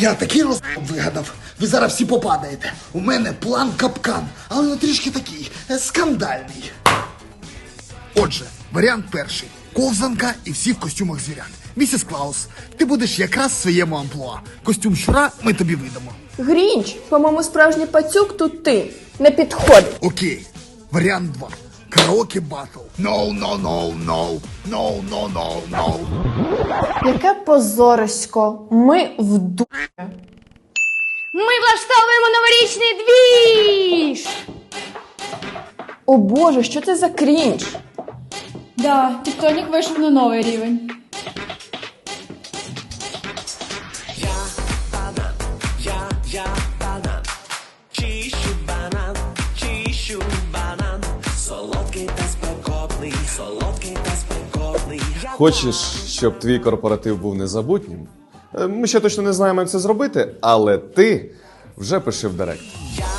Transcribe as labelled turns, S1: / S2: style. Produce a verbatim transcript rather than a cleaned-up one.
S1: Я такий роз... вигадав. Ви зараз всі попадаєте. У мене план капкан, але він трішки такий е, скандальний. Отже, варіант перший. Ковзанка і всі в костюмах звірят. Місіс Клаус, ти будеш якраз в своєму амплуа. Костюм щура ми тобі видамо.
S2: Грінч, по-моєму, справжній пацюк тут ти. Не підходить.
S1: Окей. Варіант два. Караоке батл. No, no, no, no. No, no, no, no.
S2: Яке позорисько. Ми в ду...
S3: Ми влаштовуємо новорічний двіж!
S2: О боже, що це за крінж?
S3: Да, тіктонік вийшов на новий рівень.
S4: Чищу банан, чищу банан, солодкий та спекотний, солодкий та спекотний.
S5: Хочеш, щоб твій корпоратив був незабутнім? Е, Ми ще точно не знаємо, як це зробити, але ти вже пиши в директ.
S4: Я